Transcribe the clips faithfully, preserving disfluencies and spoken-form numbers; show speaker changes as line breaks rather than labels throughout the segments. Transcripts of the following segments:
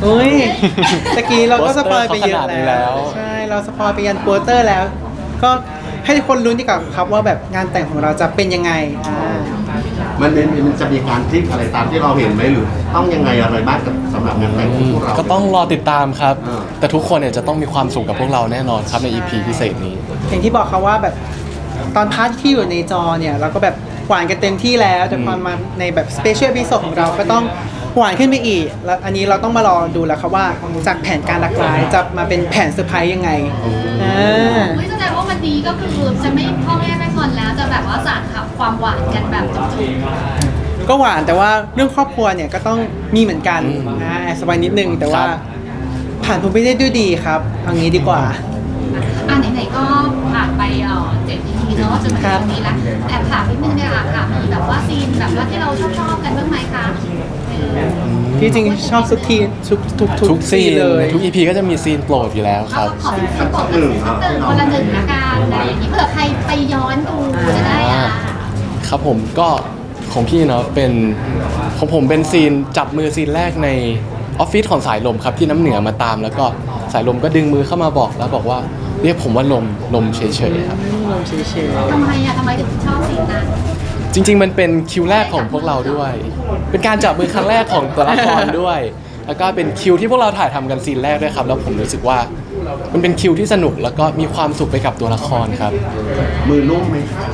อุ้ยตะกี้เราก็สปอยไปเยอะ
โปสเตอร์เขาขนาดนี้แล้
แล้ว
ว
ใช่เราสปอยไปยันโปสเตอร์แล้ว ก็ให้ทุกคนลุ้นดีกว่าครับว่าแบบงานแต่งของเราจะเป็นยังไงอ่า
มันเป็นมันจะมีการพลิกอะไรตามที่เราเห็นไหมหรือต้องยังไงอะไรบ้างกับสำหรับงานแต่งของพวกเรา
ก็ต้องรอติดตามครับ
อ่า
แต่ทุกคนเนี่ยจะต้องมีความสุขกับพวกเราแน่นอนครับใน อี พี พิเศษนี้
อย่างที่บอกเขาว่าแบบตอนพาร์ทที่อยู่ในจอเนี่ยเราก็แบบหวานกันเต็มที่แล้วแต่พอมาในแบบสเปเชียลพิโซดของเราก็ต้องหวานขึ้นไปอีกแล้วอันนี้เราต้องมารอดูแล้วครับว่าจากแผนการหลากหลายจะมาเป็นแผนเซอร์ไพรส์ยังไงอ่า
ไม่แสดงว่าวันนี้ก็คือจะไม่พ่อแม่ไม่งอนแล้วจะแบบว่าสานขับความหวานกันแบบจุก
ก็หวานแต่ว่าเรื่องครอบครัวเนี่ยก็ต้องมีเหมือนกันนะแอบสบายนิดนึงแต่ว่า
ครับ
ผ่านผมไปได้ด้วยดีครับเอางี้ดีกว่า
ๆอ่ะไหนๆก็ผ่านไปเอ่อเจ็ด อี พีเนาะจนมาถึงตรงนี้แล้วแอบถามนิดนึงเนี่ยค่ะค่ะมีแบบว่าซีนแบบว่าที่เราชอบชอบๆกันบ้างไหมคะเออ
ที่จริงชอบทุกทีทุกทุก
ทุกซีน
เลย
ทุก อี พี ก็จะมีซีนโปรดอยู่แล้วค
เอา
รับ
ขอเป็นซีนก่อนเป็นซีนหนึ่งคนละหนึ่งละกันอะไรอย่างนี้เผื่อใครไปย้อนดูจะได้อ่ะ
ครับผมก็ของพี่เนาะเป็นของผมเป็นซีนจับมือซีนแรกในออฟฟิศของสายลมครับที่น้ำเหนือมาตาม แล้วก็สายลมก็ดึงมือเข้ามาบอกแล้วบอกว่าเรียกผมว่าลมลมเฉยๆครับ
ลมเฉย
ทำไมอ่ะทำไมถึงชอบซีนนั้น
จริงๆ มันเป็นคิวแรกของพวกเราด้วย เป็นการจับมือครั้งแรกของตัวละครด้วย แล้วก็เป็นคิวที่พวกเราถ่ายทำกันซีนแรกด้วยครับ แล้วผมรู้สึกว่ามันเป็นคิวที่สนุกแล้วก็มีความสุขไปกับตัวละครครับ
มือนุ่มไหม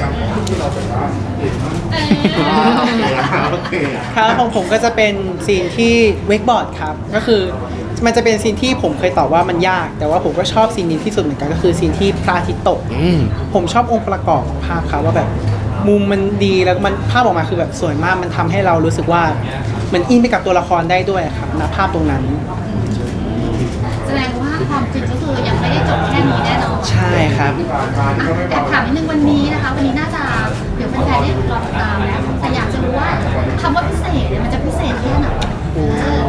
โอเค
ๆครับของผมก็จะเป็นซีนที่เวกบอร์ดครับก็คือมันจะเป็นซีนที่ผมเคยตอบว่ามันยาก แต่ว่าผมก็ชอบซีนนี้ที่สุดเหมือนกันก็คือซีนที่พระอาทิตย์ตก
อืม
ผมชอบองค์ประกอบของภาพครับว่าแบบมุมมันดีแล้วมันภาพออกมาคือแบบสวยมากมันทำให้เรารู้สึกว่าเหมือนอินไปกับตัวละครได้ด้วยครับณภาพตรงนั้น
แสดงว่าความจริงก็คือยังไม่ได้จบแค่นี้แน่นอน
ใช่ครับ
อ่ะแอบถามนิดนึงวันนี้นะคะ วันนี้น่าจะเดี๋ยวแฟนๆได้รอติดตามแล้วแต่อยากจะรู้ว่าคำว่าพิเศษเนี่ยมันจะพิเศษแค่ไหนเอ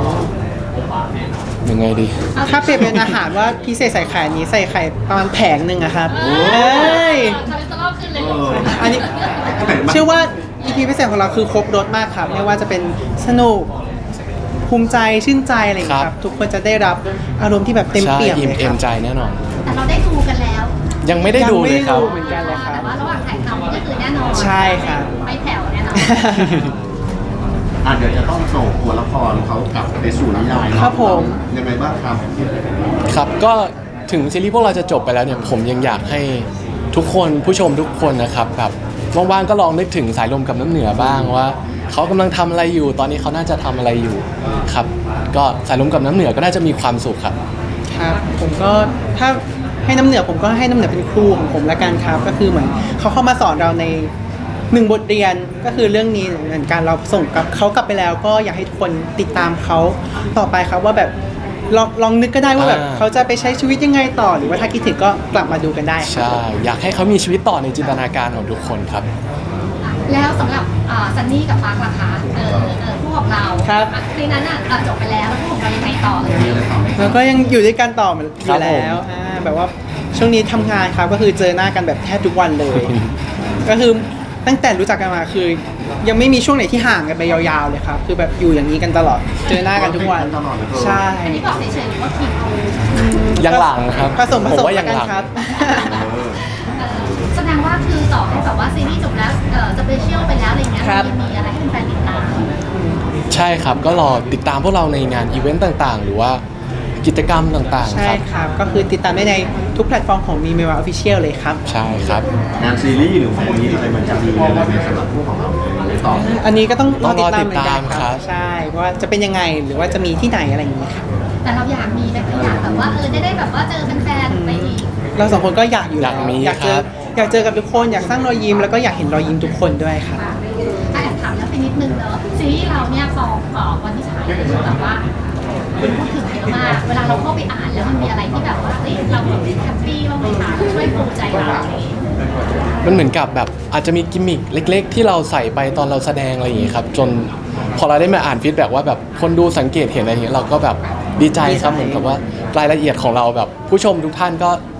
อ
ยังไงดี
ถ้าเปรียบเป็นอาหารว่าพิเศษใส่ไข่นี้ใส่ไข่ประมาณแผงหนึ่งอะครับเอ้ย
คาลิสโตรอลขึ้นเลย
เออ
อันนี้เชื่อว่า อี พี พิเศษของเราคือครบรสมากครับไม่ว่าจะเป็นสนุกภูมิใจชื่นใจอะไรอย่างเงี้ยค
ครั
รับ
บ
ทุกคนจะได้รับอารมณ์ที่แบบเต็ม
ใช่
เปี่ยม
อิ่ม
เลยค
เอ็
รั
ม
บ
ใจแน่นอน
แต่เราได้ดูกันแล้ว
ยังไม่ได้ดูเลยครับ
งไม่ได้ดูเหมือนกันเลยครับ
แต่ว่าระหว่างถ่ายทำก็คือแน่นอน
ใช่ครับ
ไม่แผ่วแน่นอน
อ่ะเดี๋ยวจะต้องส่งตัวละครเขากลับไปสู่นิยายเนาะ
ครับผม
ยังไงบ้างครับ
ครับก็ถึงซีรีส์พวกเราจะจบไปแล้วเนี่ยผมยังอยากให้ทุกคนผู้ชมทุกคนนะครับแบบว่างๆก็ลองนึกถึงสายลมกับน้ำเหนือบ้างว่าเขากำลังทำอะไรอยู่ ตอนนี้เขาน่าจะทำอะไรอยู่ครับ ก็สายลมกับน้ำเหนือก็น่าจะมีความสุขครับ
ครับผมก็ถ้าให้น้ำเหนือผมก็ให้น้ำเหนือเป็นครูของผมละกันครับ ก็คือเหมือนเขาเข้ามาสอนเราในหนึ่งบทเรียนก็คือเรื่องนี้เหมือนกันเราส่งกับเขากลับไปแล้ว ก็อยากให้ทุกคนติดตามเขาต่อไปครับว่าแบบลองลองนึกก็ได้ว่าแบบ
อ่า
เขาจะไปใช้ชีวิตยังไงต่อ หรือว่าถ้าคิดถึงก็กลับมาดูกันได้ครับ
ใช่อยากให้เขามีชีวิตต่อในจินตนาการของทุกคนครับ
แล้วสำหรับอ่าซันนี่กับปาร์คล่ะคะเออเออผู้ของเรา
ครับ
อ่ะในนั้นอ่ะอ่ะจบไปแล้วแล้วผู้ของเรายังไงต่อเลย
แล้วก็ยังอยู่ด้วยกันต่อเหมือนอ
ครั
ยู่
บผม
แล้วอ่าแบบว่าช่วงนี้ทำงานครับก็คือเจอหน้ากันแบบแทบทุกวันเลย ก็คือตั้งแต่รู้จักกันมาคือ ยังไม่มีช่วงไหนที่ห่างกันไปยาวๆเลยครับ คือแบบอยู่อย่างนี้กันตลอด เจอหน้ากันทุกวัน
ตลอดเลย
ใช่
อันนี้บอกเฉยๆหรือว่าขิง
ยังหลังครับ
ผสมผ
ผม
สม
ว่า
แล้
ยั
ว
ง
กัน
หลัง
ครับ
เออ
เออแสดงว่าคือต่อให้แบบว่าซีรีส์จบแล้วเออสเปเชียลไปแล้วอะไรเงี้ย
ครับ
มันยังมีอะไรให้แฟนๆติดตาม
ใช่ครับก็รอติดตามพวกเราในงานอีเวนต์ต่างๆ หรือว่ากิจกรรมต่างๆ
ใช่
ครับ
ครับ ก็คือติดตามได้ในทุกแพลตฟอร์มของมีเมวาออฟฟิเชียลเลยครับ
ใช่ครับ
งานซีรีส์หรือแฟนมีตอะไรมันจะมีอะไรในสำหรับพวกของเราในต่อ
อันนี้ก็ต้องร
ต้
อ
อง
ติ
ร
ด
อ
ตาม
ติด
เหมือนกัน
ตาม
ค
ครั
รับ บ ใช่ว่าจะเป็นยังไงหรือว่าจะมีที่ไหนอะไรอย่างนี้ครับ
แต่เราอยากมีแบบอยากแบบว่าเออได้ได้แบบว่าเจอแฟนๆไปอีก
เราสองคนก็อยากอยู่
อยากมี
อยากเจอ
ครับ
อยากเจอกับทุกคนอยากสร้างรอยยิ้มแล้วก็อยากเห็นรอยยิ้มทุกคนด้วยครับ
ค่ะถ้าแอบถามแล้วไปนิดนึงเนอะซีรีส์เราเนี่ยพอเอ่อวันที่ฉายเนี่ยคือแบบว่าคนพูดถึงเยอะมากเวลาเราเข้าไปอ่านแล้วมันมีอะไรที่แบบว่าเฮ้ยเราแบบแฮปปี้บ้างไหมคะช่วยฟูใจเราอะไรอย่างเงี้ย
มันเหมือนกับแบบอาจจะมีกิมมิคเล็ก ๆ ที่เราใส่ไปตอนเราแสดงอะไรอย่างงี้ครับจนพอเราได้มาอ่านฟีดแบ็กว่าแบบคนดูสังเกตเห็นอะไรอย่างเงี้ยเราก็แบบดีใจครับเหมือนกับว่ารายละเอียดของเราแบบผู้ชมทุกท่านก็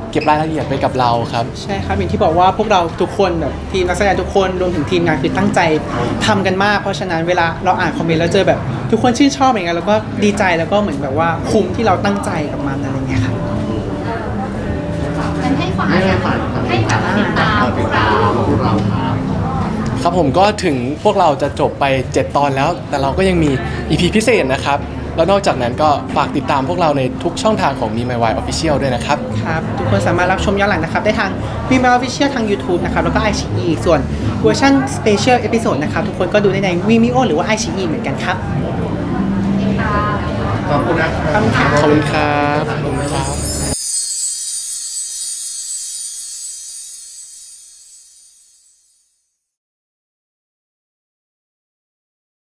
เก็บรายละเอียดไปกับเราครับ
ใช่ครับอย่างที่บอกว่าพวกเราทุกคนแบบทีมนักแสดงทุกคนรวมถึงทีมงานคือตั้งใจทำกันมาก เพราะฉะนั้นเวลาเราอ่านคอมเมนต์แล้วเจอแบบทุกคนชื่นชอบอย่างเงี้ยแล้วก็ดีใจแล้วก็เหมือนแบบว่าคุ้มที่เราตั้งใจกับมันอะไรเงี้ยครับ
งั้นให้ฝ่าย
ให้ให้ฝ่าย
ให้แบบติดตามพ
ติ
ว
ด
ก
ตา
เรา
มพวกเราครับ
ครับผมก็ถึงพวกเราจะจบไปเจ็ดตอนแล้ว แต่เราก็ยังมี อี พี พิเศษนะครับแล้วนอกจากนั้นก็ฝากติดตามพวกเราในทุกช่องทางของ Me My Why Official ด้วยนะครับ
ครับทุกคนสามารถรับชมย้อนหลังนะครับได้ทาง v ี m e o Official ทาง YouTube นะครับแล้วก็ ไอ ซี อี ส่วนเวอร์ชัน Special Episode นะครับทุกคนก็ดูได้ใน Vimeo หรือว่า ไอ ซี อี เหมือนกันครับ
ติดตาม
ขอบคุณนะครับ
ขอบคุณครับ
ขอบคุณครับ